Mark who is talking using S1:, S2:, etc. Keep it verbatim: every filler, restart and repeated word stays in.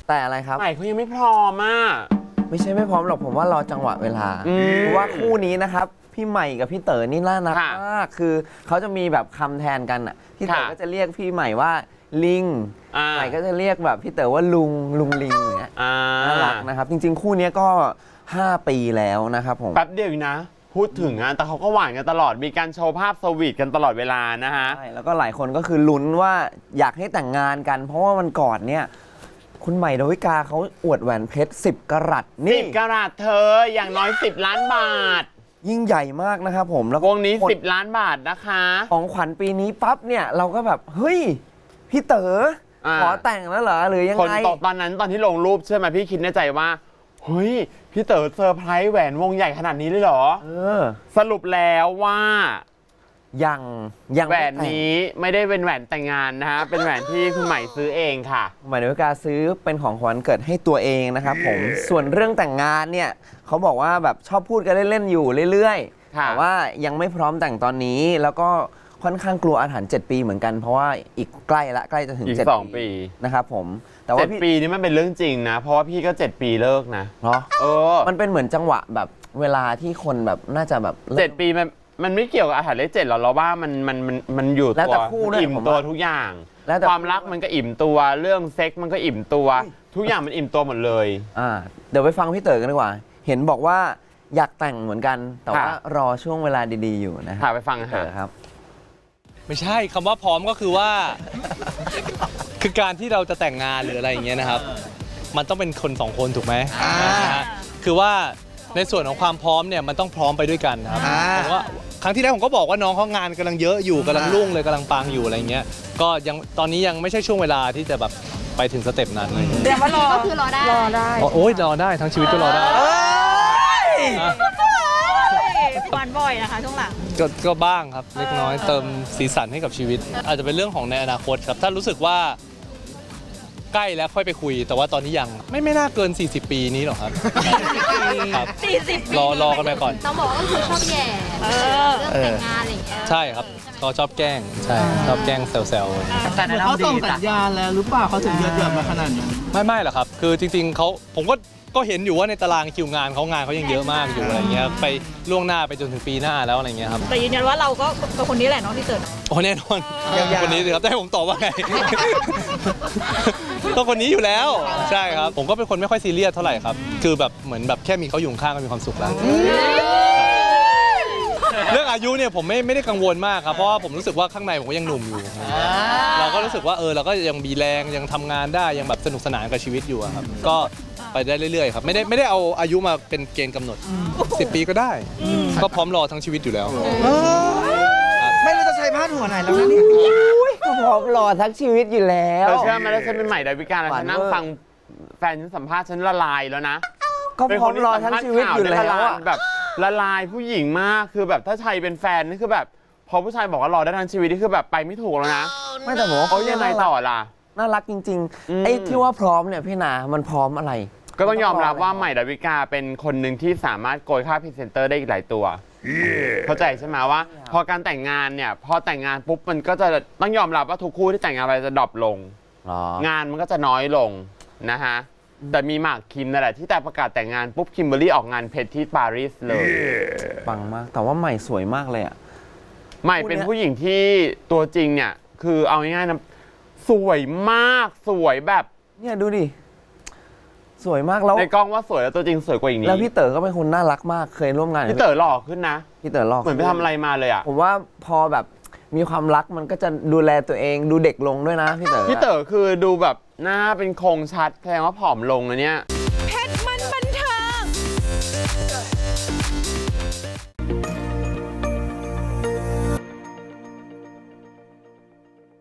S1: แต่อะไรครับ
S2: ใหม่เขายังไม่พร้อมอ่ะ
S1: ไม่ใช่ไม่พร้อมหรอกผมว่ารอจังหวะเวลาเพราะว่าคู่นี้นะครับพี่ใหม่กับพี่เต๋อนี่น่ารักมากคือเขาจะมีแบบคำแทนกันอ่ะพี่เต๋อก็จะเรียกพี่ใหม่ว่าลิงใหม่ก็จะเรียกแบบพี่เต๋อว่าลุงลุงลิงอย่างเงี้ยน่ารักนะครับจริงๆคู่นี้ก็ห้าปีแล้วนะครับผม
S2: แป๊บเดียวนะพูดถึงอ่ะแต่เขาก็หวานกันตลอดมีการโชว์ภาพสวีทกันตลอดเวลานะฮะ
S1: ใช่แล้วก็หลายคนก็คือลุ้นว่าอยากให้แต่งงานกัน เพราะว่ามันก่อนเนี่ยคุณใหม่ดาวิกาเขาอวดแหวนเพชรสิบกะรัตนี่
S2: สิบกะรัตเธออย่างน้อยสิบล้านบาท
S1: ยิ่งใหญ่มากนะครับผมแล้ว
S2: วงนี้สิบล้านบาทนะคะ
S1: ของขวัญปีนี้ปั๊บเนี่ยเราก็แบบเฮ้ยพี่เต๋อขอแต่งแล้วเหรอหรือยังไง
S2: คนตอนนั้นตอนที่ลงรูปเชื่อไหมพี่คิดในใจว่าเฮ้ยพี่เต๋อเซอร์ไพรส์แหวนวงใหญ่ขนาดนี้เลยเหรอ
S1: เออ
S2: สรุปแล้วว่า
S1: ยังยัง
S2: แหวนนี้ไม่ได้เป็นแหวนแต่งงานนะฮะเป็นแหวนที่คุณใหม่ซื้อเองค่ะ
S1: ใหม่ดาวิกาซื้อเป็นของขวัญเกิดให้ตัวเองนะครับผมส่วนเรื่องแต่งงานเนี่ยเขาบอกว่าแบบชอบพูดกันเล่นๆอยู่เรื่อยๆแต่ว่ายังไม่พร้อมแต่งตอนนี้แล้วก็ค่อนข้างกลัวอาถรรพ์เจ็ดปีเหมือนกันเพราะว่าอีกใกล้ละใกล้จะถึงเจ็ดปีนะครับผม
S2: แต่ว่าเจ็ดปีนี้มันเป็นเรื่องจริงนะเพราะว่าพี่ก็เจ็ดปีเลิกนะ
S1: เนาะเออมันเป็นเหมือนจังหวะแบบเวลาที่คนแบบน่าจะแบบ
S2: เจ็ดปีมันมันไม่เกี่ยวกับอาถรรพ์เลขเจ็ดหรอกเราว่ามันมันมันมันอยู่ตัวอิ่มตัวทุกอย่างความรักมันก็อิ่มตัวเรื่องเซ็กมันก็อิ่มตัวทุกอย่างมันอิ่มตัวหมดเลย
S1: อ่าเดี๋ยวไปฟังพี่เต๋อกันดีกว่าเห็นบอกว่าอยากแต่งเหมือนกันแต่ว่ารอช่วงเวลาดีๆอยู่นะครับ
S2: ไปฟัง
S1: เต๋อครับ
S3: ไม่ใช่คำว่าพร้อมก็คือว่าคือการที่เราจะแต่งงานหรืออะไรอย่างเงี้ยนะครับมันต้องเป็นคนสองคนถูกไหมคือว่าในส่วนของความพร้อมเนี่ยมันต้องพร้อมไปด้วยกันครับผมว่าครั้งที่แล้วผมก็บอกว่าน้องเขางานกำลังเยอะอยู่กำลังรุ่งเลยกำลังปังอยู่อะไรเงี้ยก็ยังตอนนี้ยังไม่ใช่ช่วงเวลาที่จะแบบไปถึงสเต็ปนั้นเลย
S4: เดี๋ยวว่ารอก็คือรอได้รอได้
S3: โอ้ยรอได้ทั้งชีวิตก็รอได้
S4: หวานบ่อยนะคะช่วงหลัง
S3: ก็ก็บ้างครับเล็กน้อยเติมสีสันให้กับชีวิตอาจจะเป็นเรื่องของในอนาคตครับถ้ารู้สึกว่าใกล้แล้วค่อยไปคุยแต่ว่าตอนนี้ยังไม่ไม่น่าเกินสี่สิบปีนี้หรอกครับ
S4: ครับสี่สิบ
S3: รอรอกันไปก่อน
S4: ต้องบอกว่าก็คือชอบแย่เรื่องแต่งงานอะไรอย่างเงี้ย
S3: ใช่ครับก็ชอบแกล้งใช่ชอบแกล้งแซว
S5: ๆแต่เขาส่งสัญญาณแล้วหรือเปล่าเขาถึงเยอะๆมาขนาดนี้
S3: ไม่ไม่หรอกครับคือจริงๆเขาผมก็ก็เห็นอยู่ว่าในตารางคิวงานเขางานเขายังเยอะมากอยู่อะไรเงี้ยไปล่วงหน้าไปจนถึงปีหน้าแล้วอะไรเงี้ยครับ
S4: แต่ยืนยันว่าเราก็เป็นคนนี้แหละน้องที่เกิด
S3: โอ้แน่นอนคนนี้สิครับแต่ผมตอบว่าไงต้องคนนี้อยู่แล้วใช่ครับผมก็เป็นคนไม่ค่อยซีเรียสเท่าไหร่ครับคือแบบเหมือนแบบแค่มีเขาอยู่ข้างก็มีความสุขแล้วเรื่องอายุเนี่ยผมไม่ไม่ได้กังวลมากครับเพราะว่าผมรู้สึกว่าข้างในผมก็ยังหนุ่มอยู่เราก็รู้สึกว่าเออเราก็ยังมีแรงยังทำงานได้ยังแบบสนุกสนานกับชีวิตอยู่ครับก็ไปได้เรื่อยๆครับไม่ได้ไม่ได้เอาอายุมาเป็นเกณฑ์กำหนดสิบปีก็ได้ก็พร้อมรอทั้งชีวิตอยู่แล้ว
S5: ไม่รู้จะใช้ผ้าหัวไหนแล้วนะนี่
S1: ก็พร้อมรอทั้งชีวิตอยู่แล้ว
S2: เธอเชื่อไหมแล้วฉันเป็นใหม่ดาวิกาแล้วฉันนั่งฟังแฟนฉันสัมภาษณ์ฉันละลายแล้วนะ
S1: ก็พร้อมรอทั้งชีวิตอยู่แล้ว
S2: แบบละลายผู้หญิงมากคือแบบถ้าชัยเป็นแฟนนี่คือแบบพอผู้ชายบอกว่ารอได้ทั้งชีวิตนี่คือแบบไปไม่ถูกแล้วนะ
S1: ไม่แต่ผมว่า
S2: เขายังไงต่อล่ะ
S1: น่ารักจริงๆไอ้ที่ว่าพร้อมเนี่ยพี่นามันพร้อมอะไร
S2: ก็ต้องยอมรับว่าใหม่ดาวิกาเป็นคนหนึ่งที่สามารถโกยค่าพรีเซนเตอร์ได้อีกหลายตัวเข้าใจใช่ไหมว่าพอการแต่งงานเนี่ยพอแต่งงานปุ๊บมันก็จะต้องยอมรับว่าทุกคู่ที่แต่งงานไปจะดรอปลงงานมันก็จะน้อยลงนะฮะแต่มีหมากคิมนั่นแหละที่แต่ประกาศแต่งงานปุ๊บคิมเบอร์รี่ออกงานเพชรที่ปารีสเลย
S1: ปังมากแต่ว่าใหม่สวยมากเลยอ่ะ
S2: ใหม่เป็นผู้หญิงที่ตัวจริงเนี่ยคือเอาง่ายๆนะสวยมากสวยแบบ
S1: เนี่ยดูดิสวยมากแล้ว
S2: ในกล้องว่าสวยแล้วตัวจริงสวยกว่าอย่างนี้
S1: แล้วพี่เต๋อก็เป็นคนน่ารักมากเคยร่วมงาน
S2: พี่เต๋อหล่อขึ้นนะ
S1: พี่เต๋อหล่อ
S2: เหมือนไปทำอะไรมาเลยอ่ะ
S1: ผมว่าพอแบบมีความรักมันก็จะดูแลตัวเองดูเด็กลงด้วยนะพี่เต๋อ
S2: พี่เต๋อคือดูแบบหน้าเป็นโครงชัดแสดงว่าผอมลงนะเนี่ย